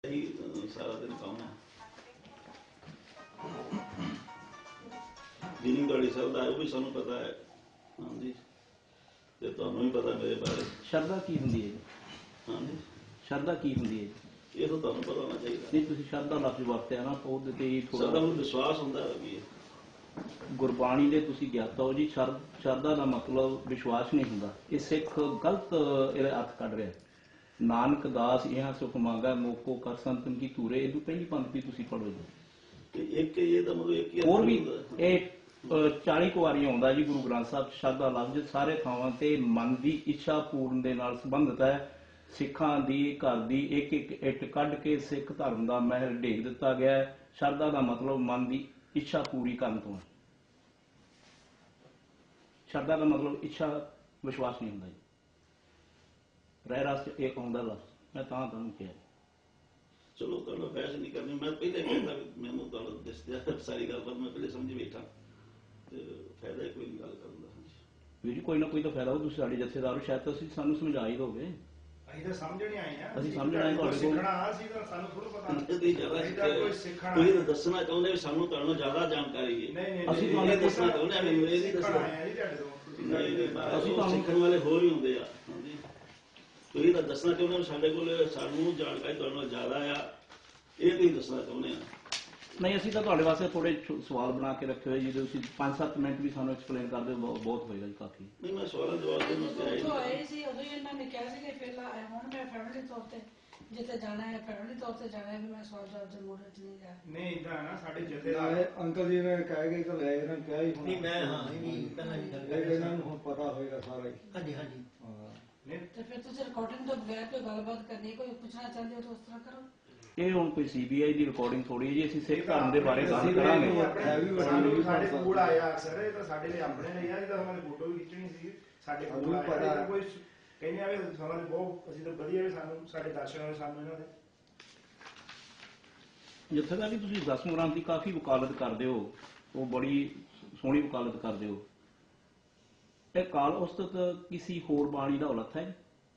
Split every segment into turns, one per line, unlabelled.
सारा दिन काम है मीनिंग ਤੁਹਾਡੀ ਸ਼ਬਦ ਆਇਆ ਉਹ ਵੀ ਸਾਨੂੰ ਪਤਾ ਹੈ ਹਾਂਜੀ ਤੇ ਤੁਹਾਨੂੰ ਵੀ ਪਤਾ ਮੇਰੇ ਬਾਰੇ
ਸ਼ਰਧਾ ਕੀ ਹੁੰਦੀ ਹੈ ਜੀ
ਹਾਂਜੀ
ਸ਼ਰਧਾ ਕੀ ਹੁੰਦੀ ਹੈ ਜੀ
ਇਹ ਤਾਂ ਤੁਹਾਨੂੰ ਪਤਾ ਹੋਣਾ ਚਾਹੀਦਾ
ਨਹੀਂ ਤੁਸੀਂ ਸ਼ਰਧਾ ਲਫ਼ਜ਼ ਵਰਤਿਆ ਨਾ ਉਹਦੇ ਤੇ
ਥੋੜਾ
ਥੋੜਾ
ਵਿਸ਼ਵਾਸ ਹੁੰਦਾ ਹੈ ਵੀ
ਗੁਰਬਾਣੀ ਦੇ ਤੁਸੀਂ ਗਿਆਤਾ ਹੋ ਜੀ ਸ਼ਰਧਾ ਦਾ ਮਤਲਬ ਵਿਸ਼ਵਾਸ ਨਹੀਂ ਹੁੰਦਾ ਇਹ ਸਿੱਖ ਗਲਤ ਇਹਦਾ ਅਰਥ ਕੱਢ ਰਿਹਾ ਨਾਨਕ ਦਾਸ ਇਹ ਸੁਖ ਮੰਗਾ ਮੋਕੋ ਕਰ ਸੰਤਨ ਕੀ ਧੂਰੇ ਇਹਨੂੰ ਪਹਿਲੀ ਪੰਕਤੀ ਤੁਸੀਂ ਪੜ੍ਹੋ ਜੀ
ਤੇ ਇੱਕ ਇਹ ਤਾਂ ਮਤਲਬ ਇੱਕ ਹੀ
ਹੋਰ ਵੀ ਇਹ 40 ਕੁ ਵਾਰੀ ਆਉਂਦਾ ਜੀ ਗੁਰੂ ਗ੍ਰੰਥ ਸਾਹਿਬ ਸ਼ਰਧਾ ਲਫ਼ਜ਼ ਸਾਰੇ ਥਾਵਾਂ ਤੇ ਮਨ ਦੀ ਇੱਛਾ ਪੂਰਨ ਦੇ ਨਾਲ ਸੰਬੰਧਿਤ ਹੈ ਸਿੱਖਾਂ ਦੀ ਘਰ ਦੀ ਇੱਕ ਇੱਕ ਇੱਟ ਕੱਢ ਕੇ ਸਿੱਖ ਧਰਮ ਦਾ ਮਹਿਲ ਢੇਕ ਦਿੱਤਾ ਗਿਆ ਹੈ ਸ਼ਰਧਾ ਦਾ ਮਤਲਬ ਮਨ ਦੀ ਇੱਛਾ ਪੂਰੀ ਕਰਨ ਤੋਂ ਸ਼ਰਧਾ ਦਾ ਮਤਲਬ ਇੱਛਾ ਵਿਸ਼ਵਾਸ ਨਹੀਂ ਹੁੰਦਾ ਜੀ ਰਹਿ ਰਸ ਇਹ ਆਉਂਦਾ ਲਫ਼ਜ਼ ਮੈਂ ਤਾਂ ਤੁਹਾਨੂੰ ਕਿਹਾ
ਚਲੋ ਤੁਹਾਨੂੰ ਬਹਿਸ ਨਹੀਂ ਕਰਨੀ ਮੈਂ ਪਹਿਲੇ ਕਹਿੰਦਾ ਮੈਨੂੰ ਤੁਹਾਨੂੰ ਦੱਸਿਆ ਸਾਰੀ ਗੱਲ ਪਰ ਮੈਂ ਪਹਿਲੇ ਸਮਝ ਬੈਠਾ ਤੇ ਫਾਇਦਾ ਕੋਈ ਨਹੀਂ ਗੱਲ ਕਰਨ ਦਾ
ਵੀਰ ਜੀ ਕੋਈ ਨਾ ਕੋਈ ਤਾਂ ਫਾਇਦਾ ਹੋ ਤੁਸੀਂ ਸਾਡੇ ਜਥੇਦਾਰ ਸ਼ਾਇਦ ਤੁਸੀਂ ਸਾਨੂੰ ਸਮਝਾ ਹੀ ਦੋਗੇ
ਅਸੀਂ ਤਾਂ ਸਮਝਣੇ ਆਏ ਆ
ਅਸੀਂ ਸਮਝਣ ਆਏ ਤੁਹਾਡੇ ਕੋਲ
ਸਿੱਖਣਾ ਅਸੀਂ ਤਾਂ ਸਾਨੂੰ ਥੋੜਾ ਪਤਾ
ਨਹੀਂ ਜ਼ਿਆਦਾ
ਕੋਈ ਸਿੱਖਣਾ
ਤੁਸੀਂ ਤਾਂ ਦੱਸਣਾ ਚਾਹੁੰਦੇ ਵੀ ਸਾਨੂੰ ਤੁਹਾਨੂੰ ਜ਼ਿਆਦਾ ਜਾਣਕਾਰੀ ਹੈ
ਨਹੀਂ
ਅਸੀਂ
ਤੁਹਾਨੂੰ ਦੱਸਣਾ ਚਾਹੁੰਦੇ ਹਾਂ ਮੈਨੂੰ ਇਹ ਨਹੀਂ
ਸਿੱਖਣਾ
ਦੱਸਣਾ
ਆਏ ਆ ਜੀ ਤੁਹਾਡੇ ਤੋਂ
ਨਹੀਂ ਅਸੀਂ ਤਾਂ ਸਿੱਖਣ ਵਾਲੇ ਹੋਰ ਹੀ ਹੁੰਦੇ ਆ ਹਾਂਜੀ ਤੁਸੀਂ ਤਾਂ ਦੱਸਣਾ ਚਾਹੁੰਦੇ ਹੋ ਸਾਡੇ ਕੋਲ ਸਾਨੂੰ ਜਾਣਕਾਰੀ ਤੁਹਾਡੇ ਨਾਲ ਜ਼ਿਆਦਾ ਆ ਇਹ ਤੁਸੀਂ ਦੱਸਣਾ ਚਾਹੁੰਦੇ ਆ
ਨਹੀਂ ਅਸੀਂ ਤਾਂ ਤੁਹਾਡੇ ਵਾਸਤੇ ਥੋੜੇ ਸਵਾਲ ਬਣਾ ਕੇ ਰੱਖੇ ਹੋਏ ਜਿਹਦੇ ਤੁਸੀਂ 5-7 ਮਿੰਟ ਵੀ ਸਾਨੂੰ ਐਕਸਪਲੇਨ ਕਰ ਦਿਓ ਬਹੁਤ ਹੋਏਗਾ ਜੀ ਕਾਫੀ
ਨਹੀਂ ਮੈਂ ਸਵਾਲਾਂ ਜਵਾਬ ਦੇਣ ਵਾਸਤੇ
ਆਏ ਸੀ ਉਦੋਂ ਹੀ ਇਹਨਾਂ ਨੇ ਕਿਹਾ ਸੀ ਕਿ ਪਹਿਲਾਂ ਹੁਣ ਮੈਂ ਫੈਮਿਲੀ ਤੌਰ ਤੇ ਜਿੱਥੇ ਜਾਣਾ ਹੈ ਫੈਮਿਲੀ ਤੌਰ ਤੇ ਜਾਣਾ ਹੈ ਵੀ ਮੈਂ ਸਵਾਲ ਜਵਾਬ ਦੇ ਮੋੜ ਵਿੱਚ ਨਹੀਂ ਜਾ
ਨਹੀਂ ਇਦਾਂ ਨਾ ਸਾਡੇ ਜਥੇਦਾਰ
ਅੰਕਲ ਜੀ ਨੇ ਕਹਿ ਗਏ ਤਾਂ ਲੈ ਇਹਨਾਂ ਕਿਹਾ ਹੀ
ਨਹੀਂ ਮੈਂ ਹਾਂ ਨਹੀਂ ਪਹਿਲਾਂ ਹੀ ਗੱਲ
ਇਹਨਾਂ ਨੂੰ ਹੁਣ ਪਤਾ ਹੋਏਗਾ ਸਾਰਾ ਹੀ
ਹਾਂਜੀ ਹਾਂਜੀ
ਨਹੀਂ
ਤੇ ਫਿਰ ਤੁਸੀਂ ਰਿਕਾਰਡਿੰਗ ਤੋਂ ਬਗੈਰ ਕੋਈ ਗੱਲਬਾਤ ਕਰਨੀ ਕੋਈ ਪੁੱਛਣਾ ਚਾਹੁੰਦੇ ਹੋ ਤਾਂ ਉਸ ਤਰ੍ਹਾਂ ਕਰੋ
ਇਹ ਹੁਣ ਕੋਈ ਸੀਬੀਆਈ ਦੀ ਰਿਕਾਰਡਿੰਗ ਥੋੜੀ ਹੈ ਜੀ ਅਸੀਂ ਸਿੱਖ ਧਰਮ ਦੇ ਬਾਰੇ ਗੱਲ ਕਰਾਂਗੇ
ਸਾਡੇ ਕੋਲ ਆਇਆ ਅਕਸਰ ਇਹ ਤਾਂ ਸਾਡੇ ਲਈ ਆਪਣੇ ਲਈ ਆ ਜਿਹਦਾ ਉਹਨਾਂ ਨੇ ਫੋਟੋ ਵੀ ਖਿੱਚਣੀ ਸੀ ਸਾਡੇ ਕੋਲ ਆਇਆ ਕੋਈ ਕਹਿੰਦੇ ਆ ਵੀ ਸਾਨੂੰ ਬਹੁਤ ਅਸੀਂ ਤਾਂ ਵਧੀਆ ਵੀ ਸਾਨੂੰ ਸਾਡੇ ਦਰਸ਼ਨ ਹੋਏ ਸਾਨੂੰ ਇਹਨਾਂ ਦੇ
ਜਿੱਥੇ ਤੱਕ ਤੁਸੀਂ ਦਸਮ ਗ੍ਰੰਥ ਦੀ ਕਾਫੀ ਵਕਾਲਤ ਕਰਦੇ ਹੋ ਉਹ ਬੜੀ ਸੋਹਣੀ ਵਕਾਲਤ ਕਰਦੇ ਹੋ ਇਹ ਕਾਲ ਉਸਤਤ ਕਿਸੇ ਹੋਰ ਬਾਣੀ ਦਾ ਉਲੱਥ ਹੈ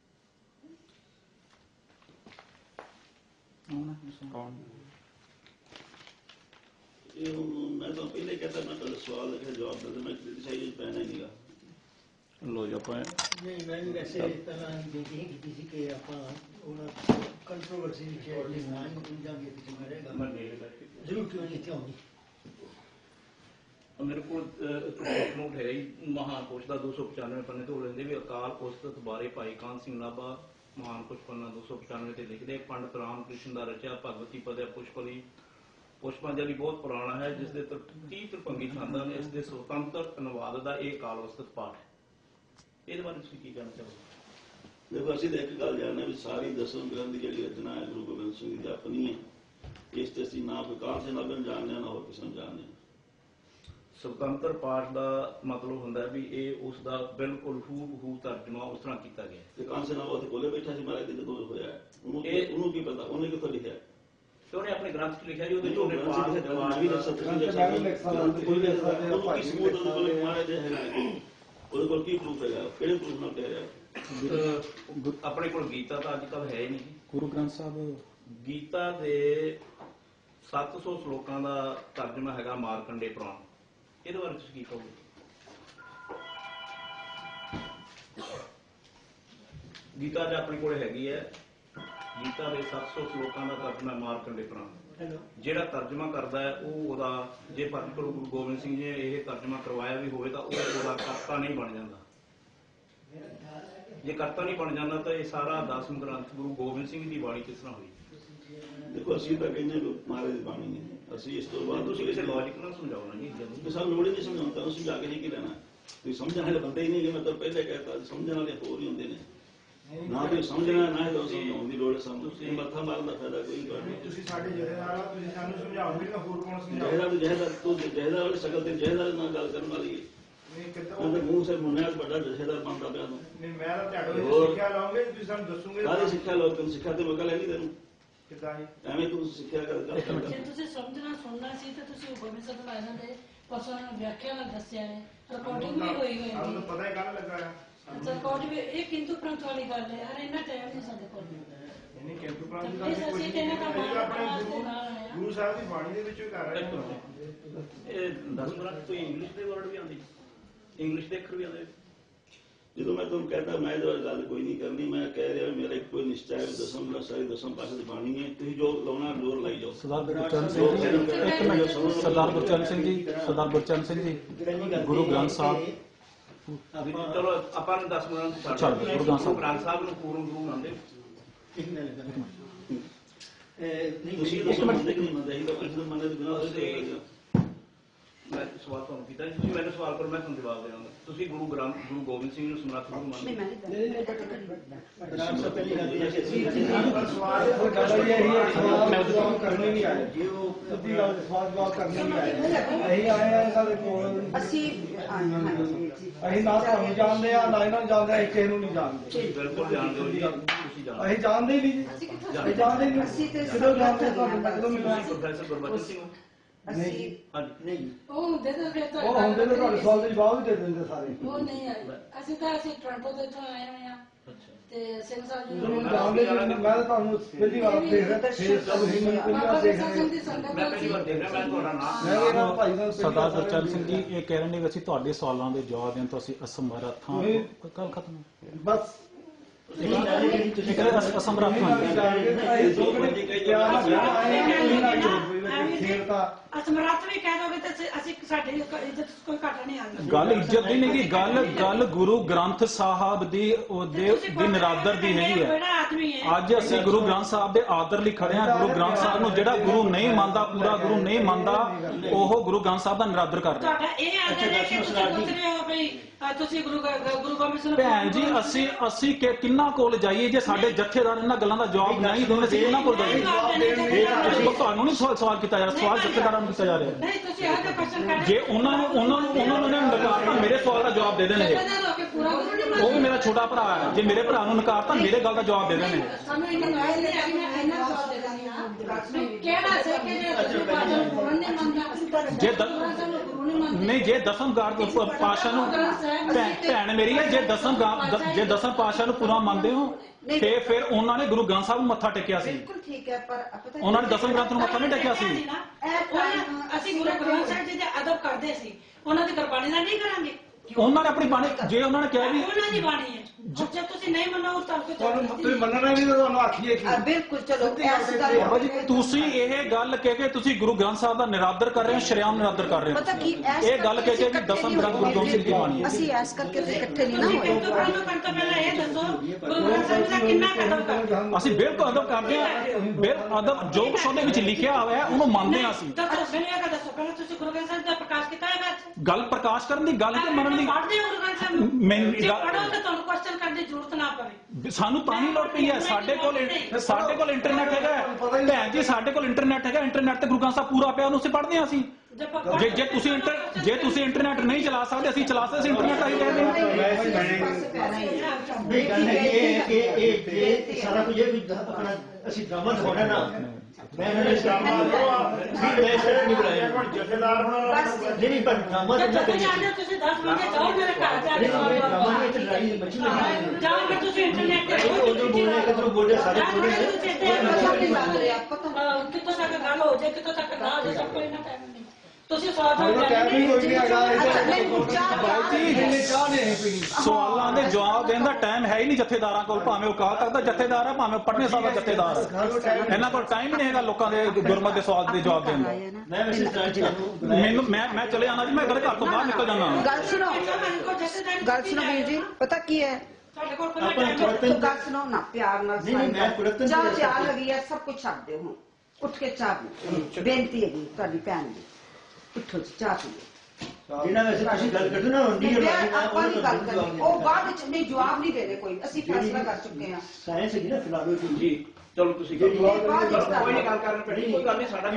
ਇਹ ਮੈਂ ਤਾਂ ਪਹਿਲੇ ਕਹਿੰਦਾ ਮੈਂ ਤੁਹਾਡਾ ਸਵਾਲ ਲਿਖਿਆ ਜਵਾਬ ਦੇ ਮੈਂ ਕ੍ਰਿਟਿਸਾਈਜ਼ ਪੈਣਾ ਹੀ ਨਹੀਂਗਾ
ਲੋ ਜੀ ਆਪਾਂ
ਨਹੀਂ ਮੈਂ ਵੀ ਵੈਸੇ ਪਹਿਲਾਂ ਬੇਨਤੀ ਕੀਤੀ ਸੀ ਕਿ ਆਪਾਂ ਉਹਨਾਂ ਕੰਟਰੋਵਰਸੀ ਵਿੱਚ ਜੇ ਨਾ ਜਾਂਗੇ ਤੇ ਚੰਗਾ ਰਹੇਗਾ ਜ਼ਰੂਰ ਕਿਉਂ ਨਹੀਂ ਆਉਂਦੀ
ਮੇਰੇ ਕੋਲ ਨੋਟ ਹੈਗਾ ਜੀ ਮਹਾਨ ਕੋਸ਼ ਦਾ 295 ਪੰਨੇ ਤੋਂ ਲੈਂਦੇ ਵੀ ਅਕਾਲ ਉਸਤਤ ਬਾਰੇ ਭਾਈ ਕਾਨ ਸਿੰਘ ਨਾਭਾ ਮਹਾਨ ਕੁਛ ਪੰਨਾ 295 ਤੇ ਲਿਖਦੇ ਪੰਡਤ ਰਾਮ ਕ੍ਰਿਸ਼ਨ ਦਾ ਰਚਿਆ ਭਗਵਤੀ ਪਦਿਆ ਪੁਸ਼ਪਲੀ ਪੁਸ਼ਪਾਂਜਲੀ ਬਹੁਤ ਪੁਰਾਣਾ ਹੈ ਜਿਸ ਦੇ 30 ਤਰਪੰਗੀ ਛੰਦਾਂ ਨੇ ਇਸ ਦੇ ਸੁਤੰਤਰ ਅਨੁਵਾਦ ਦਾ ਇਹ ਕਾਲ ਉਸਤਤ ਪਾਠ ਹੈ ਇਹਦੇ ਬਾਰੇ ਤੁਸੀਂ ਕੀ ਕਹਿਣਾ ਚਾਹੋਗੇ
ਦੇਖੋ ਅਸੀਂ ਤਾਂ ਇੱਕ ਗੱਲ ਜਾਣਦੇ ਵੀ ਸਾਰੀ ਦਸਮ ਗ੍ਰੰਥ ਦੀ ਜਿਹੜੀ ਰਚਨਾ ਹੈ ਗੁਰੂ ਗੋਬਿੰਦ ਸਿੰਘ ਦੀ ਆਪਣੀ ਹੈ ਇਸ ਤੇ ਅਸੀਂ ਨਾ ਵਿਕਾਸ ਦੇ ਨਾਲ ਜਾਣਦੇ ਹਾਂ ਨਾ ਹੋਰ ਕਿਸੇ ਨੂੰ ਜਾਣਦੇ ਹਾਂ
ਸੁਤੰਤਰ ਪਾਠ ਦਾ ਮਤਲਬ ਹੁੰਦਾ ਵੀ ਇਹ ਉਸ ਦਾ ਬਿਲਕੁਲ ਹੂ ਤਰਜਮਾ ਉਸ ਤਰ੍ਹਾਂ ਕੀਤਾ ਗਿਆ
ਤੇ ਕਾਂਸੇ ਨਾਲ ਉਹ ਕੋਲੇ ਬੈਠਾ ਸੀ ਮਹਾਰਾਜ ਦੇ ਜਦੋਂ ਹੋਇਆ ਉਹਨੂੰ ਕੀ ਪਤਾ ਉਹਨੇ ਕਿੱਥੋਂ ਲਿਖਿਆ
ਤੇ ਉਹਨੇ ਆਪਣੇ ਗ੍ਰੰਥ 'ਚ ਲਿਖਿਆ ਜੀ ਉਹਦੇ
ਉਹਨੇ ਪਾਠ ਵੀ ਲਿਖ ਸਕਦਾ ਉਹਦੇ ਕੋਲ ਕੀ ਪ੍ਰੂਫ ਹੈਗਾ ਕਿਹੜੇ ਪ੍ਰੂਫ ਨਾਲ ਕਹਿ ਰਿਹਾ
ਆਪਣੇ ਕੋਲ ਗੀਤਾ ਤਾਂ ਅੱਜ ਕੱਲ੍ਹ ਹੈ ਹੀ ਨਹੀਂ
ਗੁਰੂ ਗ੍ਰੰਥ ਸਾਹਿਬ
ਗੀਤਾ ਦੇ 700 ਸ਼ਲੋਕਾਂ ਦਾ ਤਰਜਮਾ ਹੈਗਾ ਮਾਰਕੰਡੇ ਪੁਰਾਣ ਇਹਦੇ ਬਾਰੇ ਤੁਸੀਂ ਕੀ ਕਹੋਗੇ ਗੀਤਾ ਚ ਆਪਣੇ ਕੋਲ ਹੈਗੀ ਹੈ ਗੀਤਾ ਦੇ 700 ਸ਼ਲੋਕਾਂ ਦਾ ਤਰਜਮਾ ਮਾਰਕੰਡੇ ਪੁਰਾਣ ਜਿਹੜਾ ਤਰਜਮਾ ਕਰਦਾ ਹੈ ਉਹ ਉਹਦਾ ਜੇ ਗੁਰੂ ਗੋਬਿੰਦ ਸਿੰਘ ਜੀ ਨੇ ਇਹ ਤਰਜਮਾ ਕਰਵਾਇਆ ਵੀ ਹੋਵੇ ਤਾਂ ਉਹ ਉਹਦਾ ਕਰਤਾ ਨਹੀਂ ਬਣ ਜਾਂਦਾ ਜੇ ਕਰਤਾ ਨਹੀਂ ਬਣ ਜਾਂਦਾ ਤਾਂ ਇਹ ਸਾਰਾ ਦਸਮ ਗ੍ਰੰਥ ਗੁਰੂ ਗੋਬਿੰਦ ਸਿੰਘ ਦੀ ਬਾਣੀ ਕਿਸ ਤਰ੍ਹਾਂ ਹੋਈ
ਦੇਖੋ ਅਸੀਂ ਤਾਂ ਕਹਿੰਦੇ ਮਹਾਰਾਜ ਦੀ ਬਾਣੀ ਹੈ ਅਸੀਂ ਇਸ ਤੋਂ ਬਾਅਦ
ਤੁਸੀਂ ਕਿਸੇ ਲੌਜਿਕ ਨਾਲ ਸਮਝਾਓ ਨਾ ਜੀ
ਜਦੋਂ ਸਾਨੂੰ ਲੋੜ ਹੀ ਨਹੀਂ ਸਮਝਾਉਣ ਤਾਂ ਸਮਝਾ ਕੇ ਨਹੀਂ ਕੀ ਲੈਣਾ ਤੁਸੀਂ ਸਮਝਣ ਵਾਲੇ ਬੰਦੇ ਹੀ ਨਹੀਂ ਕਿ ਮੈਂ ਤਾਂ ਪਹਿਲੇ ਕਹਿਤਾ ਸਮਝਣ ਵਾਲੇ ਹੋਰ ਹੀ ਹੁੰਦੇ ਨੇ ਨਾ ਕੋਈ ਸਮਝਣਾ ਨਾ ਹੀ ਸਮਝਾਉਣ ਦੀ ਲੋੜ ਸਾਨੂੰ ਤੁਸੀਂ ਮੱਥਾ ਮਾਰਨ ਦਾ ਫਾਇਦਾ ਕੋਈ ਨਹੀਂ
ਤੁਸੀਂ ਸਾਡੇ ਜਥੇਦਾਰ ਹੋ ਤੁਸੀਂ ਸਾਨੂੰ ਸਮਝਾਓਗੇ ਤਾਂ ਹੋਰ ਕੌਣ
ਜਹੇਦਾਰ ਤੂੰ ਜਹੇਦਾਰ ਵਾਲੀ ਸ਼ਕਲ ਤੇ ਜਹੇਦਾਰ ਨਾਲ ਗੱਲ ਕਰਨ ਵਾਲੀ ਹੈ
ਨਹੀਂ ਕਿੱਦਾਂ
ਉਹਦੇ ਮੂੰਹ ਸੇ ਮੁੰਨਿਆ ਵੱਡਾ ਜਹੇਦਾਰ ਬਣਦਾ ਪਿਆ ਤੂੰ
ਨਹੀਂ ਮੈਂ ਤਾਂ ਤੁਹਾਡੇ ਸਿੱਖਿਆ ਲਾਉਂਗੇ ਤੁਸੀਂ ਸਾਨੂੰ ਦੱਸੋਗੇ
ਕਾਹਦੀ ਸਿੱਖਿਆ ਲਓ ਤੈਨੂੰ ਸਿੱਖਿਆ ਤੇ ਮੌਕਾ ਲੈਣੀ ਤੈਨੂੰ
ਕਿੱਦਾਂ ਜੀ
ਐਵੇਂ ਤੂੰ ਸਿੱਖਿਆ ਕਰ
ਜੇ ਤੁਸੀਂ ਸਮਝਣਾ ਸੁਣਨਾ ਸੀ ਤਾਂ ਤੁਸੀਂ ਉਹ ਗੋਬਿੰਦ ਸਾਹਿਬ ਦੇ ਪਰਸੋਂ ਵਿਆਖਿਆ ਨਾਲ ਦੱਸਿਆ ਹੈ ਰਿਕਾਰਡਿੰਗ ਵੀ ਹੋਈ ਹੋਈ
ਸਾਨੂੰ
ਹੈ
ਪਤਾ ਹੀ ਕੱਲ ਲੱਗਾ
ਅੱਛਾ ਕੋਟ ਵੀ ਇਹ ਕਿੰਤੂ ਪ੍ਰੰਤ ਵਾਲੀ ਗੱਲ ਹੈ ਯਾਰ ਇੰਨਾ ਟਾਈਮ ਨਹੀਂ ਸਾਡੇ ਕੋਲ
ਇਹਨੇ ਕਿੰਤੂ ਪ੍ਰਾਂਤ ਦੀ
ਇਸ
ਗੱਲ
ਅਸੀਂ ਤੇ ਇਹਨਾਂ ਦਾ
ਗੁਰੂ ਗੁਰੂ ਸਾਹਿਬ ਦੀ ਬਾਣੀ ਦੇ ਵਿੱਚੋਂ ਕਰ ਰਹੇ ਹਾਂ
ਇਹ 10 ਮਿੰਟ ਕੋਈ ਇੰਗਲਿਸ਼ ਦੇ ਵਰਡ ਵੀ ਆਉਂਦੀ ਇੰਗਲਿਸ਼ ਦੇ ਅੱਖਰ ਵੀ ਆਉਂਦੇ
ਜਦੋਂ ਮੈਂ ਤੁਹਾਨੂੰ ਕਹਿੰਦਾ ਮੈਂ ਇਹਦੇ ਬਾਰੇ ਗੱਲ ਕੋਈ ਨਹੀਂ ਕਰਨੀ, ਮੈਂ ਕਹਿ ਰਿਹਾ ਮੇਰਾ ਇੱਕੋ ਨਿਸ਼ਚਾ ਹੈ ਦਸਮ ਸਾਰੀ ਦਸਮ ਪਾਸੇ ਦੀ ਬਾਣੀ ਹੈ, ਤੁਸੀਂ ਜੋ ਲਾਉਣਾ ਜ਼ੋਰ ਲਾਈ ਜਾਓ।
ਸਰਦਾਰ ਗੁਰਚਰਨ ਸਿੰਘ ਜੀ, ਇੱਕ ਮਿੰਟ, ਸਰਦਾਰ ਗੁਰਚਰਨ ਸਿੰਘ ਜੀ, ਸਰਦਾਰ ਗੁਰਚਰਨ ਸਿੰਘ ਜੀ, ਗੁਰੂ ਗ੍ਰੰਥ ਸਾਹਿਬ
ਚਲੋ ਆਪਾਂ ਨੂੰ 10 ਮਿੰਟ
ਛੱਡ ਦਿਓ, ਗੁਰੂ ਗ੍ਰੰਥ ਸਾਹਿਬ।
ਗ੍ਰੰਥ ਸਾਹਿਬ ਨੂੰ ਪੂਰਨ ਗੁਰੂ ਮੰਨਦੇ
ਤੁਸੀਂ ਇੱਕ ਮਿੰਟ ਦੇਖ ਨਹੀਂ ਮੰਨਦੇ, ਇਹ ਤਾਂ ਕਿਸੇ ਨੂੰ ਮੰਨਦੇ ਬਿਨਾਂ ਉਹਦੇ
ਮੈਂ ਸਵਾਲ ਤੁਹਾਨੂੰ ਕੀਤਾ ਤੁਸੀਂ ਮੈਨੂੰ ਸਵਾਲ ਕਰੋ ਮੈਂ ਤੁਹਾਨੂੰ ਜਵਾਬ ਦੇਵਾਂਗਾ। ਤੁਸੀਂ ਗੁਰੂ ਗੋਬਿੰਦ ਸਿੰਘ ਨੂੰ ਸਮਰੱਥ ਗੁਰੂ ਮੰਨਦੇ
ਕਰਨੀ ਨਹੀਂ ਆਏ ਜੇ ਉਹ ਸਿੱਧੀ ਗੱਲ ਸਵਾਲ ਜਵਾਬ ਕਰਨੀ ਨਹੀਂ ਆਏ। ਅਸੀਂ ਆਏ ਆ ਸਾਡੇ ਕੋਲ, ਅਸੀਂ ਨਾ ਤੁਹਾਨੂੰ ਜਾਣਦੇ ਆ ਨਾ ਇਹਨਾਂ ਨੂੰ ਜਾਣਦੇ ਆ, ਕਿਸੇ ਨੂੰ ਨਹੀਂ ਜਾਣਦੇ।
ਬਿਲਕੁਲ ਜਾਣਦੇ ਹੋ ਜੀ, ਤੁਸੀਂ ਜਾਣਦੇ
ਅਸੀਂ ਜਾਣਦੇ ਹੀ ਨਹੀਂ ਜੀ, ਅਸੀਂ ਜਾਣਦੇ ਹੀ ਨਹੀਂ। ਕਿਦੋਂ ਜਾਣਦੇ ਤੁਹਾਨੂੰ ਕਦੋਂ ਮਿਲਣਾ?
ਪ੍ਰੋਫੈਸਰ ਗੁਰਬਚਨ ਸਿੰਘ
ਨਹੀਂ
ਹਾਂਜੀ
ਉਹ ਹੁੰਦੇ ਤਾਂ ਫਿਰ ਤਾਂ
ਉਹ ਹੁੰਦੇ ਨੇ ਤੁਹਾਡੇ ਸਵਾਲ ਦੇ ਜਵਾਬ ਵੀ ਦੇ ਦਿੰਦੇ ਸਾਰੇ।
ਉਹ ਨਹੀਂ ਆਏ ਅਸੀਂ ਟੋਰਾਂਟੋ ਤੋਂ ਇੱਥੋਂ ਆਏ ਹੋਏ ਆ ਤੇ ਸਿੰਘ ਸਾਹਿਬ ਜੀ
ਤੁਹਾਨੂੰ ਜਾਣਦੇ ਜੀ, ਮੈਂ ਤਾਂ ਤੁਹਾਨੂੰ ਪਹਿਲੀ ਵਾਰ ਦੇਖ ਰਿਹਾ, ਫੇਰ ਸਭ ਹੀ ਮੈਨੂੰ ਪਹਿਲੀ ਵਾਰ ਦੇਖ ਰਿਹਾ।
ਮੈਂ ਪਹਿਲੀ ਵਾਰ ਦੇਖ ਰਿਹਾ, ਮੈਂ ਤੁਹਾਡਾ ਨਾਮ
ਮੈਂ ਵੀ ਇਹਨਾਂ ਭਾਈ ਦਾ
ਸਰਦਾਰ ਗੁਰਚਰਨ ਸਿੰਘ ਜੀ ਇਹ ਕਹਿ ਰਹੇ ਨੇ ਕਿ ਅਸੀਂ ਤੁਹਾਡੇ ਸਵਾਲਾਂ ਦੇ ਜਵਾਬ ਦੇਣ ਤੋਂ ਅਸੀਂ ਅਸਮਰੱਥ ਹਾਂ। ਗੱਲ ਖਤਮ।
ਬਸ
ਅਸਮਰੱਥ ਹਾਂ।
ਅਸਮਰੱਥ ਵੀ ਕਹਿ ਦੋਗੇ ਤੇ ਅਸੀਂ ਸਾਡੀ ਇੱਜ਼ਤ ਕੋਈ ਘਾਟਾ ਨਹੀਂ ਆਉਂਦਾ।
ਗੱਲ ਇੱਜ਼ਤ ਦੀ ਨਹੀਂ ਗੀ, ਗੱਲ ਗੁਰੂ ਗ੍ਰੰਥ ਸਾਹਿਬ ਦੀ ਉਹਦੇ ਨਿਰਾਦਰ ਦੀ ਹੈਗੀ ਹੈ। ਅੱਜ ਅਸੀਂ ਗੁਰੂ ਗ੍ਰੰਥ ਸਾਹਿਬ ਦੇ ਆਦਰ ਲਈ ਖੜੇ ਹਾਂ। ਗੁਰੂ ਗ੍ਰੰਥ ਸਾਹਿਬ ਨੂੰ ਜਿਹੜਾ ਗੁਰੂ ਨਹੀਂ ਮੰਨਦਾ, ਪੂਰਾ ਗੁਰੂ ਨਹੀਂ ਮੰਨਦਾ, ਉਹ ਗੁਰੂ ਗ੍ਰੰਥ ਸਾਹਿਬ ਦਾ ਨਿਰਾਦਰ ਕਰ ਰਿਹਾ।
ਤੁਹਾਡਾ ਇਹ ਆਦਰ ਹੈ ਕਿ ਤੁਸੀਂ ਪੁੱਛ ਰਹੇ ਹੋ ਬਈ ਤੁਸੀਂ ਗੁਰੂ ਗੋਬਿੰਦ ਸਿੰਘ
ਭੈਣ ਜੀ ਅਸੀਂ ਕਿੰਨਾ ਕੋਲ ਜਾਈਏ ਜੇ ਸਾਡੇ ਜਥੇਦਾਰ ਇਹਨਾਂ ਗੱਲਾਂ ਦਾ ਜਵਾਬ ਨਹੀਂ ਦੇਣ, ਅਸੀਂ ਕਿੰਨਾ ਕੋਲ ਜਾਈਏ? ਤੁਹਾਨੂੰ ਨਹੀਂ ਸਵਾਲ ਕੀਤਾ ਜਾ ਰਿਹਾ, ਸਵਾਲ ਜਥੇਦਾਰਾਂ ਨੂੰ ਕੀਤਾ ਜਾ ਰਿਹਾ।
ਨਹੀਂ ਤੁਸੀਂ ਇਹ ਤਾਂ ਕੁਐਸਚਨ ਕਰ
ਜੇ ਉਹਨਾਂ ਨੂੰ ਨਕਾਰਤਾ, ਮੇਰੇ ਸਵਾਲ ਦਾ ਜਵਾਬ ਦੇ ਦੇਣਗੇ। ਉਹ ਵੀ ਮੇਰਾ ਛੋਟਾ ਭਰਾ ਹੈ, ਜੇ ਮੇਰੇ ਭਰਾ ਨੂੰ ਨਕਾਰਤਾ ਮੇਰੇ ਗੱਲ ਦਾ ਜਵਾਬ ਦੇ ਦੇਣਗੇ।
ਸਾਨੂੰ ਇਹਨਾਂ ਨੂੰ ਆਏ ਨਹੀਂ ਅਸੀਂ ਇਹਨਾਂ ਜਵਾਬ ਦੇ ਦਾਂਗੇ ਕਿਹੜਾ ਸੇ ਕਿ ਜੇ ਤੁਸੀਂ ਪਾਜਨ ਪੁਰਨ ਨਹੀਂ ਮੰਨਦਾ
ਜੇ ਨਹੀਂ ਜੇ ਦਸਮ ਪਾਸ਼ਾ ਨੂੰ ਭੈਣ ਮੇਰੀ ਹੈ, ਜੇ ਦਸਮ ਪਾਸ਼ਾ ਨੂੰ ਪੂਰਾ ਮੰਨਦੇ ਹੋ ਤੇ ਫਿਰ ਉਹਨਾਂ ਨੇ ਗੁਰੂ ਗ੍ਰੰਥ ਸਾਹਿਬ ਨੂੰ ਮੱਥਾ ਟੇਕਿਆ ਸੀ।
ਬਿਲਕੁਲ ਠੀਕ ਹੈ, ਪਰ
ਉਹਨਾਂ ਨੇ ਦਸਮ ਗ੍ਰੰਥ ਨੂੰ ਮੱਥਾ ਨਹੀਂ ਟੇਕਿਆ ਸੀ।
ਅਸੀਂ ਗੁਰੂ ਗ੍ਰੰਥ ਸਾਹਿਬ ਜੀ ਦੇ ਅਦਬ ਕਰਦੇ ਸੀ, ਉਹਨਾਂ ਦੀ ਗੁਰਬਾਣੀ ਨਾਲ ਨਹੀਂ ਕਰਾਂਗੇ।
ਉਹਨਾਂ ਨੇ ਆਪਣੀ ਬਾਣੀ, ਜੇ ਉਹਨਾਂ ਨੇ ਕਿਹਾ ਵੀ
ਉਹਨਾਂ ਦੀ ਬਾਣੀ ਹੈ, ਜੇ ਤੁਸੀਂ ਨਹੀਂ ਮੰਨੋ
ਤੁਹਾਨੂੰ ਤੁਸੀਂ ਮੰਨਣਾ ਨਹੀਂ ਤਾਂ ਤੁਹਾਨੂੰ ਆਖੀਏ ਕੀ?
ਬਿਲਕੁਲ ਚਲੋ ਇਸ ਗੱਲ
ਬਾਬਾ ਜੀ ਤੁਸੀਂ ਇਹ ਗੱਲ ਕਹਿ ਕੇ ਤੁਸੀਂ ਗੁਰੂ ਗ੍ਰੰਥ ਸਾਹਿਬ ਦਾ ਨਿਰਾਦਰ ਕਰ ਰਹੇ ਹੋ, ਸ਼ਰੇਆਮ ਨਿਰਾਦਰ ਕਰ ਰਹੇ
ਪਤਾ ਕੀ
ਹੋ। ਇਹ ਗੱਲ ਕਹਿ ਕੇ ਵੀ ਦਸਮ ਗ੍ਰੰਥ ਗੁਰੂ ਗੋਬਿੰਦ ਸਿੰਘ ਦੀ ਬਾਣੀ ਹੈ।
ਅਸੀਂ ਐਸ ਕਰਕੇ ਇਕੱਠੇ ਨਹੀਂ ਨਾ ਹੋਏ।
ਕਿੰਤੂ ਪ੍ਰੰਤੂ ਤੋਂ ਪਹਿਲਾਂ ਇਹ ਦੱਸੋ ਗੁਰੂ ਗ੍ਰੰਥ ਸਾਹਿਬ ਦਾ ਕਿੰਨਾ ਕਦਮ ਕਰਦੇ?
ਅਸੀਂ ਬਿਲਕੁਲ ਅਦਬ ਕਰਦੇ ਹਾਂ। ਅਦਬ ਜੋ ਕੁਛ ਉਹਦੇ ਵਿੱਚ ਲਿਖਿਆ ਹੋਇਆ ਉਹਨੂੰ ਮੰਨਦੇ ਹਾਂ ਅਸੀਂ।
ਤਾਂ ਮੈਨੂੰ ਇਹ ਦੱਸੋ ਪਹਿਲਾਂ ਤੁਸੀਂ ਗੁਰੂ ਗ੍ਰੰਥ ਸਾਹਿਬ ਦਾ ਪ੍ਰਕਾਸ਼ ਕੀਤਾ ਹੈ ਬਾਅਦ
ਗੱਲ ਪ੍ਰਕਾਸ਼ ਕਰਨ ਦੀ ਗੱਲ ਕਿ ਮੰਨਣ ਦੀ
ਪੜ੍ਹਦੇ ਹੋ ਗੁਰੂ ਗ੍ਰੰਥ ਸਾਹਿਬ ਨੂੰ?
ਮੈਨੂੰ
ਜੇ ਪੜ੍ਹੋ ਤਾਂ ਤੁਹਾਨੂੰ ਕੁਐਸਚਨ ਕਰਨ ਦੀ ਜ਼ਰੂਰਤ ਨਾ ਪਵੇ।
ਸਾਨੂੰ ਤਾਂ ਹੀ ਲੋੜ ਪਈ ਹੈ। ਸਾਡੇ ਕੋਲ ਇੰਟਰਨੈਟ ਹੈਗਾ ਭੈਣ ਜੀ, ਸਾਡੇ ਕੋਲ ਇੰਟਰਨੈਟ ਹੈਗਾ। ਇੰਟਰਨੈਟ ਤੇ ਗੁਰੂ ਗ੍ਰੰਥ ਸਾਹਿਬ ਪੂਰਾ ਪਿਆ, ਉਹਨੂੰ ਅਸੀਂ ਪੜ੍ਹਦੇ ਹਾਂ। ਅਸੀਂ ਜੇ ਤੁਸੀਂ ਇੰਟਰਨੈਟ ਨਹੀਂ ਚਲਾ ਸਕਦੇ, ਅਸੀਂ ਚਲਾ ਸਕਦੇ, ਅਸੀਂ ਇੰਟਰਨੈਟ ਆਈ ਕਹਿੰਦੇ
ਇਹ ਸਾਰਾ ਕੁਝ ਆਪਣਾ ਅਸੀਂ ਡਰਾਮਾ ਦਿਖਾਉਣਾ ਨਾ।
ਮੈਂ ਨਹੀਂ ਬੁਲਾਇਆ ਜਥੇਦਾਰ ਹੋਣਾ
ਨਹੀਂ ਪਰ ਡਰਾਮਾ
ਜੇ ਤੁਸੀਂ ਚਾਹੁੰਦੇ ਹੋ ਤੁਸੀਂ 10 ਵਜੇ ਜਾਓ ਮੇਰੇ ਘਰ ਜਾ ਕੇ ਜਾਓ ਕਿ ਤੁਸੀਂ ਇੰਟਰਨੈਟ ਤੇ
ਬੋਲੇ ਸਾਰੇ
ਕਿੱਥੋਂ ਤੱਕ ਗੱਲ ਹੋ ਜਾਏ, ਕਿੱਥੋਂ ਤੱਕ ਨਾ ਹੋ ਜਾਏ, ਸਭ ਕੋਈ ਨਾ ਟਾਈਮ ਨਹੀਂ। ਤੁਸੀਂ ਸਵਾਲ
ਸਵਾਲਾਂ ਦੇ ਜਵਾਬ ਦੇਣ ਦਾ ਟਾਈਮ ਹੈ ਹੀ ਨਹੀਂ ਜਥੇਦਾਰਾਂ ਕੋਲ। ਭਾਵੇਂ ਉਹ ਅਕਾਲ ਤਖਤ ਦਾ ਜਥੇਦਾਰ ਹੈ, ਭਾਵੇਂ ਪਟਨੇ ਸਾਹਿਬ ਦਾ ਜਥੇਦਾਰ ਹੈ, ਇਹਨਾਂ ਕੋਲ ਟਾਈਮ ਹੀ ਨਹੀਂ ਹੈਗਾ ਲੋਕਾਂ ਦੇ ਗੁਰਮਤਿ ਦੇ ਸਵਾਲ ਦੇ ਜਵਾਬ ਦੇਣ ਦਾ। ਮੈਂ ਚਲੇ ਜਾਣਾ ਜੀ, ਮੈਂ ਘਰ ਤੋਂ ਬਾਹਰ ਨਿਕਲ ਜਾਣਾ।
ਗੱਲ ਸੁਣੋ ਵੀਰ ਜੀ, ਪਤਾ ਕੀ ਹੈ ਗੱਲ ਸੁਣੋ ਨਾ ਪਿਆਰ ਨਾਲ। ਚਾਹ ਚਾਹ ਲੱਗੀ ਹੈ, ਸਭ ਕੁਝ ਛੱਡ ਦਿਓ ਹੁਣ, ਉੱਠ ਕੇ ਚਾਹ ਪੀਓ। ਬੇਨਤੀ ਹੈਗੀ ਤੁਹਾਡੀ ਭੈਣ ਦੀ, ਉੱਠੋ ਜੀ ਚਾਹ ਪੀਓ।
ਜਿਹਨਾਂ ਵੈਸੇ ਤੁਸੀਂ ਗੱਲ ਕਰਦੇ ਨਾ
ਆਪਾਂ ਨਹੀਂ ਗੱਲ ਕਰਨੀ, ਉਹ ਬਾਅਦ ਵਿੱਚ ਨਹੀਂ ਜਵਾਬ ਨਹੀਂ ਦੇਣੇ ਕੋਈ, ਅਸੀਂ ਫੈਸਲਾ ਕਰ ਚੁੱਕੇ ਹਾਂ।
ਸਾਇੰਸ ਹੈਗੀ ਨਾ ਫਿਲਾਸਫੀ
ਜੀ ਚਲੋ ਤੁਸੀਂ
ਜਿਹੜੀ
ਕੋਈ ਨਹੀਂ ਗੱਲ ਕਰਨ ਪੈਣੀ, ਕੋਈ ਗੱਲ ਨਹੀਂ। ਸਾਡਾ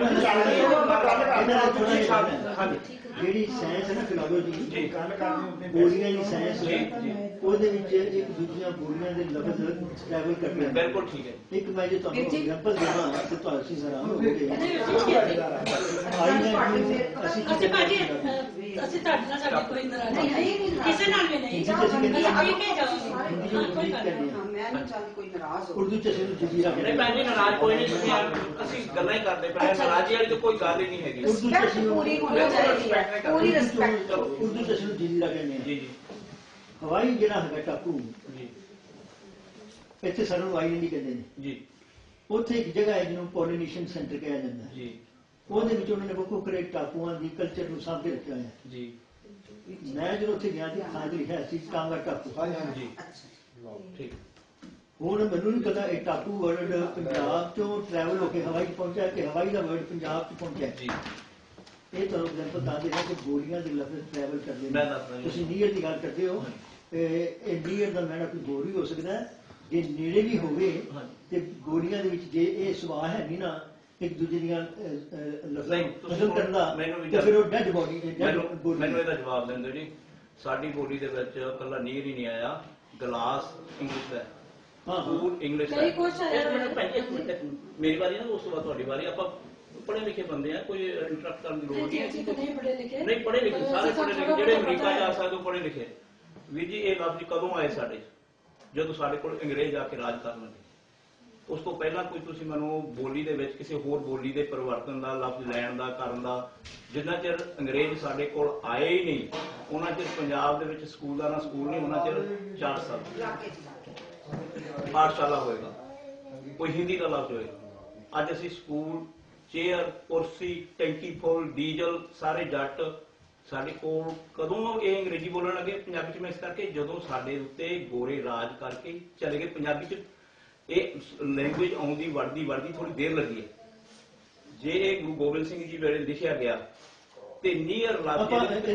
ਜਿਹੜੀ ਸਾਇੰਸ ਹੈ ਨਾ ਫਿਲਾਸਫੀ ਬੋਲੀਆਂ ਦੀ ਸਾਇੰਸ ਉਹਦੇ ਵਿੱਚ ਇੱਕ ਦੂਜੀਆਂ ਬੋਲੀਆਂ ਦੇ ਲਫ਼ਜ਼ ਟ੍ਰੈਵਲ ਕਰਦੇ ਹਨ।
ਬਿਲਕੁਲ ਠੀਕ ਹੈ।
ਇੱਕ ਮੈਂ ਜੇ ਤੁਹਾਨੂੰ ਐਗਜ਼ਾਮਪਲ ਦੇਵਾਂ ਤੇ ਤੁਹਾਨੂੰ ਹੈਰਾਨ ਹੋਵੋਗੇ। ਅਸੀਂ ਕੀ
ਅਸੀਂ ਤੁਹਾਡੇ ਨਾਲ ਸਾਡੀ ਕੋਈ ਨਾਰਾਜ਼ਗੀ ਨਹੀਂ, ਕਿਸੇ ਨਾਲ ਵੀ ਨਹੀਂ। ਅਸੀਂ ਪੀ ਕੇ ਜਾਵਾਂਗੇ, ਕੋਈ ਗੱਲ ਨਹੀਂ।
ਮੈਂ ਨਹੀਂ ਚਾਹੁੰਦੀ ਕੋਈ ਨਾਰਾਜ਼ ਹੋ।
ਉਰਦੂ ਚ ਅਸੀਂ ਜਜ਼ੀਰਾ
ਨਹੀਂ ਭੈਣ ਜੀ, ਨਾਰਾਜ਼ ਕੋਈ ਨਹੀਂ, ਅਸੀਂ ਗੱਲਾਂ ਹੀ ਕਰਦੇ ਪਏ, ਨਾਰਾਜ਼ੀ ਵਾਲੀ ਤਾਂ ਕੋਈ ਗੱਲ ਹੀ ਨਹੀਂ ਹੈਗੀ।
ਉਰਦੂ ਚ ਅਸੀਂ
ਪੂਰੀ ਹੋਣੀ ਚਾਹੀਦੀ ਹੈ, ਪੂਰੀ ਰਿਸਪੈਕਟ।
ਉਰਦੂ ਚ ਅਸੀਂ ਜਜ਼ੀਰਾ ਕਹਿੰਦੇ ਹਾਂ।
ਜੀ ਜੀ
ਹਵਾਈ ਜਿਹੜਾ ਹੈਗਾ ਟਾਪੂ,
ਜੀ
ਇੱਥੇ ਸਾਨੂੰ ਹਵਾਈ ਨਹੀਂ ਕਹਿੰਦੇ ਨੇ।
ਜੀ
ਉੱਥੇ ਇੱਕ ਜਗ੍ਹਾ ਹੈ ਜਿਹਨੂੰ ਪੋਲੀਨੇਸ਼ਨ ਸੈਂਟਰ ਕਿਹਾ ਜਾਂਦਾ ਹੈ।
ਜੀ
ਉਹਦੇ ਵਿੱਚ ਉਹਨਾਂ ਨੇ ਵੱਖੋ ਵੱਖਰੇ ਟਾਪੂਆਂ ਦੀ ਕਲਚਰ ਨੂੰ ਸਾਂਭ ਕੇ ਰੱਖਿਆ ਹੋਇਆ ਹੈ।
ਜੀ
ਮੈਂ ਜਦੋਂ ਉੱਥੇ ਗਿਆ ਸੀ ਥਾਂ ਤੇ ਲਿਖਿਆ ਸੀ ਟਾਂਗਾ ਟਾਪੂ।
ਜੀ ਠੀਕ।
ਹੁਣ ਮੈਨੂੰ ਨਹੀਂ ਪਤਾ ਇਹ ਟਾਪੂ ਵਰਡ ਪੰਜਾਬ ਤੋਂ ਟਰੈਵਲ ਹੋ ਕੇ ਹਵਾਈ 'ਚ ਪਹੁੰਚਿਆ ਕਿ ਹਵਾਈ ਦਾ ਵਰਡ ਪੰਜਾਬ 'ਚ ਪਹੁੰਚਿਆ।
ਜੀ
ਇਹ ਤੁਹਾਨੂੰ ਐਗਜ਼ਾਮਪਲ ਦੱਸ ਦੇਣਾ ਕਿ ਗੋਲੀਆਂ ਦੇ ਲਫ਼ਜ਼ ਟਰੈਵਲ ਕਰਦੇ
ਮੈਂ ਦੱਸਦਾ
ਨੇ।
ਜੀ।
ਤੁਸੀਂ ਨੀਅਰ ਦੀ ਗੱਲ ਕਰਦੇ ਹੋ, ਇਹ ਨੀਅਰ ਦਾ ਮੈਨਾਂ ਕੋਈ ਹੋਰ ਵੀ ਹੋ ਸਕਦਾ ਹੈ। ਜੇ ਨੇੜੇ ਵੀ ਹੋਵੇ ਤੇ ਗੋਲੀਆਂ ਦੇ ਵਿੱਚ ਜੇ ਇਹ ਸੁਭਾਅ ਹੈ ਨਹੀਂ ਨਾ ਇੱਕ ਦੂਜੇ ਦੀਆਂ ਲਫ਼ਜ਼ਾਂ ਬਦਲ ਕਰਨ ਦਾ, ਤੇ ਫਿਰ ਉਹ ਡੈਡ ਬੋਡੀ
ਮੈਨੂੰ ਇਹਦਾ ਜਵਾਬ ਦੇਣ ਦਿਓ ਜੀ। ਸਾਡੀ ਬੋਲੀ ਦੇ ਵਿੱਚ ਕੱਲਾ ਨੀਰ ਹੀ ਨਹੀਂ ਆਇਆ, ਗਲਾਸ ਇੰਗਲਿਸ਼ ਦਾ, ਫੂਡ ਇੰਗਲਿਸ਼ ਦਾ। ਇੱਕ ਮਿੰਟ ਮੇਰੀ ਵਾਰੀ ਨਾ, ਉਸ ਤੋਂ ਬਾਅਦ ਤੁਹਾਡੀ ਵਾਰੀ। ਆਪਾਂ ਪੜ੍ਹੇ ਲਿਖੇ ਬੰਦੇ ਆ, ਕੋਈ ਇੰਟਰਪਟ ਕਰਨ ਦੀ ਲੋੜ ਨਹੀਂ।
ਨਹੀਂ ਪੜ੍ਹੇ ਲਿਖੇ,
ਨਹੀਂ ਪੜ੍ਹੇ ਲਿਖੇ, ਸਾਰੇ ਪੜ੍ਹੇ ਲਿਖੇ, ਜਿਹੜੇ ਅਮਰੀਕਾ ਜਾ ਸਕਦੇ ਉਹ ਪੜ੍ਹੇ ਲਿਖੇ। ਵੀਰ ਜੀ ਇਹ ਲਫ਼ਜ਼ ਕਦੋਂ ਆਏ ਸਾਡੇ? ਜਦੋਂ ਸਾਡੇ ਕੋਲ ਅੰਗਰੇਜ਼ ਆ ਕੇ ਰਾਜ ਕਰਨ ਲੱਗੇ। ਉਸ ਤੋਂ ਪਹਿਲਾਂ ਕੋਈ ਤੁਸੀਂ ਮੈਨੂੰ ਬੋਲੀ ਦੇ ਵਿੱਚ ਕਿਸੇ ਹੋਰ ਬੋਲੀ ਦੇ ਪਰਿਵਰਤਨ ਦਾ, ਲਫ਼ਜ਼ ਲੈਣ ਦਾ, ਕਰਨ ਦਾ, ਜਿੰਨਾ ਚਿਰ ਅੰਗਰੇਜ਼ ਸਾਡੇ ਕੋਲ ਆਏ ਹੀ ਨਹੀਂ ਉਹਨਾਂ ਚਿਰ ਪੰਜਾਬ ਦੇ ਵਿੱਚ ਸਕੂਲਾਂ ਦਾ ਸਕੂਲ ਨਹੀਂ, ਉਹਨਾਂ ਚਿਰ 4 ਸਾਲ ਪਾਠਸ਼ਾਲਾ ਹੋਏਗਾ, ਕੋਈ ਹਿੰਦੀ ਦਾ ਲਫ਼ਜ਼ ਹੋਏਗਾ। ਅੱਜ ਅਸੀਂ ਸਕੂਲ, ਚੇਅਰ, ਕੁਰਸੀ, ਟੈਂਕੀ ਫੁੱਲ, ਡੀਜ਼ਲ, ਸਾਰੇ ਜੱਟ ਸਾਡੇ ਕੋਲ। ਕਦੋਂ ਇਹ ਅੰਗਰੇਜ਼ੀ ਬੋਲਣ ਲੱਗੇ ਪੰਜਾਬੀ 'ਚ? ਮੈਂ ਇਸ ਕਰਕੇ ਜਦੋਂ ਸਾਡੇ ਉੱਤੇ ਗੋਰੇ ਰਾਜ ਕਰਕੇ ਚਲੇ ਗਏ। ਪੰਜਾਬੀ 'ਚ ਇਹ ਲੈਂਗੁਏਜ ਆਉਂਦੀ ਵੜਦੀ ਥੋੜੀ ਦੇਰ ਲੱਗੀ ਹੈ। ਜੇ ਇਹ ਗੁਰੂ ਗੋਬਿੰਦ ਸਿੰਘ ਜੀ ਵੇਲੇ ਲਿਖਿਆ ਗਿਆ ਤੇ ਨੀਅਰ ਲਫ਼ਜ਼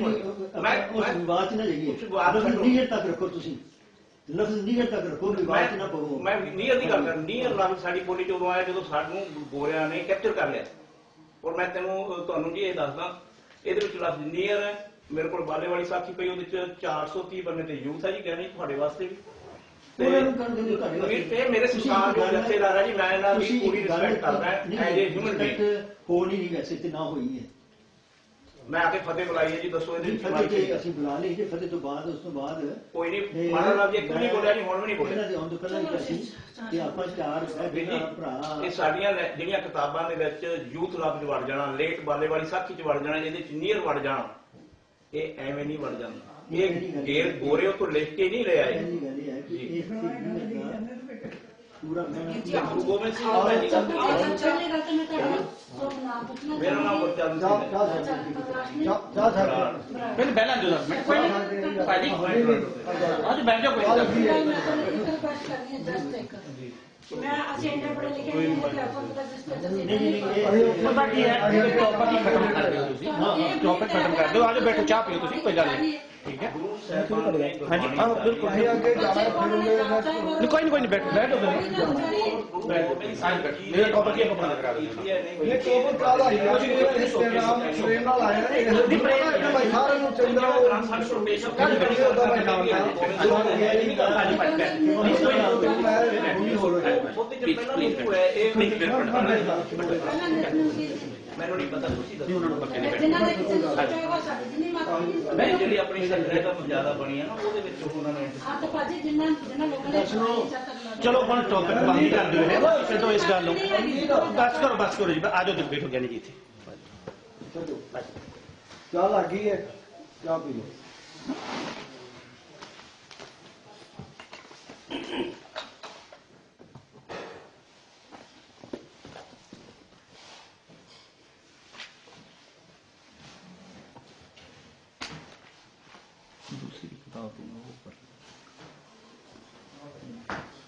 ਬਾਤ ਨਾ ਜਾਈਏ, ਨੀਅਰ ਤੱਕ ਰੱਖੋ ਤੁਸੀਂ, ਲਫ਼ਜ਼ ਨੀਅਰ ਤੱਕ ਰੱਖੋ, ਬਾਤ ਨਾ ਪਵੋ। ਮੈਂ
ਨੀਅਰ ਦੀ ਗੱਲ ਕਰ, ਨੀਅਰ ਲਫ਼ਜ਼ ਸਾਡੀ ਬੋਲੀ 'ਚ ਉਦੋਂ ਆਇਆ ਜਦੋਂ ਸਾਨੂੰ ਗੋਰਿਆਂ ਨੇ ਕੈਪਚਰ ਕਰ ਲਿਆ। ਔਰ ਮੈਂ ਤੁਹਾਨੂੰ ਜੀ ਇਹ ਦੱਸਦਾ, ਇਹਦੇ ਵਿੱਚ ਲਫ਼ਜ਼ ਨੀਅਰ ਹੈ। ਮੇਰੇ ਕੋਲ ਬਾਲੇ ਵਾਲੀ ਸਾਖੀ ਪਈ, ਉਹਦੇ ਚ 430 ਬੰਨੇ ਤੇ ਯੂਥ ਹੈ ਜੀ, ਕਹਿਣੀ ਤੁਹਾਡੇ ਵਾਸਤੇ ਵੀ। ਤੇ ਮੇਰੇ ਸਰਕਾਰ ਦੇ ਜਥੇਦਾਰ ਹੈ ਜੀ, ਮੈਂ ਇਹਨਾਂ ਦੀ ਪੂਰੀ ਰਿਸਪੈਕਟ ਕਰਦਾ ਐਜ਼ ਏ ਹਿਊਮਨ ਬੀਇੰਗ।
ਹੋ ਨਹੀਂ ਵੈਸੇ ਤੇ ਨਾ ਹੋਈ ਹੈ।
ਮੈਂ ਆ ਕੇ ਫਤਿਹ ਬੁਲਾਈ ਹੈ ਜੀ, ਦੱਸੋ ਇਹਦੇ
ਵਿੱਚ ਅਸੀਂ ਬੁਲਾ ਲਈ ਜੇ ਫਤਿਹ ਤੋਂ ਬਾਅਦ, ਉਸ ਤੋਂ ਬਾਅਦ
ਕੋਈ ਨਹੀਂ ਮਾੜਾ ਲਫ਼ਜ਼ ਇੱਕ ਵੀ ਨਹੀਂ ਬੋਲਿਆ ਜੀ, ਹੁਣ ਵੀ ਨਹੀਂ ਬੋਲਿਆ।
ਇਹਨਾਂ ਦੇ ਆਉਣ ਤੋਂ ਪਹਿਲਾਂ ਹੀ ਅਸੀਂ ਕਿ ਆਪਾਂ 4 ਭਰਾ।
ਇਹ ਸਾਡੀਆਂ ਜਿਹੜੀਆਂ ਕਿਤਾਬਾਂ ਦੇ ਵਿੱਚ ਯੂਥ ਲਫ਼ਜ਼ ਵੜ ਜਾਣਾ, ਲੇਟ ਬਾਲੇ ਵਾਲੀ ਸਾਖੀ 'ਚ ਵੜ ਜਾਣਾ, ਇਹਦੇ 'ਚ ਨੀਅਰ ਵੜ ਜਾਣਾ, ਇਹ ਐਵੇਂ ਨਹੀਂ ਵੜ ਜਾਂਦਾ। ਇਹ ਗੇਰ ਗੋਰੇ ਤੋਂ ਲਿਖ ਕੇ ਨਹੀਂ ਲੈ ਆਏ।
ਪੂਰਾ
ਗੁਰੂ ਗੋਬਿੰਦ ਸਿੰਘ ਮੇਰਾ ਨਾਮ ਗੁਰਚਰਨ ਸਿੰਘ ਹੈ।
ਪਹਿਲਾਂ ਜੋ ਸਾਡੀ ਅੱਜ ਬੈਠ ਜਾਓ ਕੋਈ
ਮੈਂ ਅਸੀਂ ਇੰਨਾ ਪੜ੍ਹੇ ਲਿਖੇ ਨਹੀਂ ਹੈ ਕਿ ਆਪਾਂ ਪਤਾ ਜਿਸ
ਪਤਾ ਕੀ ਹੈ, ਟੌਪਿਕ ਹੀ ਖਤਮ ਕਰ ਦਿਓ ਤੁਸੀਂ। ਟੌਪਿਕ ਖਤਮ ਕਰ ਦਿਓ, ਆਜੋ ਬੈਠੋ, ਚਾਹ ਪੀਓ ਤੁਸੀਂ, ਕੋਈ ਗੱਲ ਨਹੀਂ। ਠੀਕ ਹੈ ਹਾਂਜੀ, ਆਹ ਬਿਲਕੁਲ
ਅੱਗੇ ਜਾਣਾ
ਕੋਈ ਨਹੀਂ ਬੈਠੋ ਮੇਰਾ ਟੌਪਿਕ ਹੀ ਬੰਦ ਕਰਾ ਦਿਓ।
ਇਹ ਟੋਪਰ ਕਾਲਾ ਹੀ ਆ ਜੀ, ਨਾਮ ਸਵੇਰ ਨਾਲ ਆਇਆ ਨਾ, ਇਹ ਭਾਈ ਸਾਰਿਆਂ ਨੂੰ ਚੰਗਾ ਉਹ ਕੱਲ ਵੀਡੀਓ ਦਾ ਮੈਂ ਨਾਮ ਹੈ
ਮੈਨੂੰ ਨਹੀਂ ਪਤਾ, ਤੁਸੀਂ ਦੱਸੋ।
ਉਹਨਾਂ ਨੂੰ ਪੱਕੇ ਨਹੀਂ
ਜਿਨ੍ਹਾਂ ਦੇ ਕਿਸੇ ਨੂੰ ਸੋਚੇਗਾ ਸਾਡੀ ਜਿੰਨੀ ਮਾਤਾ
ਮੈਂ ਜਿਹੜੀ ਆਪਣੀ ਸਰਕਾਰ ਜ਼ਿਆਦਾ ਬਣੀ ਹੈ ਨਾ, ਉਹਦੇ ਵਿੱਚ ਉਹਨਾਂ ਨੇ
ਆ ਤਾਂ ਭਾਜੀ ਜਿਨ੍ਹਾਂ ਲੋਕਾਂ ਨੇ
ਚਲੋ ਹੁਣ ਟੌਪਿਕ ਬੰਦ ਕਰ ਦਿਓ, ਇਹ ਛੱਡੋ ਇਸ ਗੱਲ ਨੂੰ, ਬਸ ਕਰੋ ਜੀ, ਆਜੋ ਤੁਸੀਂ ਬੈਠੋ ਗਿਆਨੀ ਜੀ ਇੱਥੇ।
ਚਾਹ ਲੱਗ ਗਈ ਹੈ, ਚਾਹ ਪੀ ਲਓ।
दूसरी किताब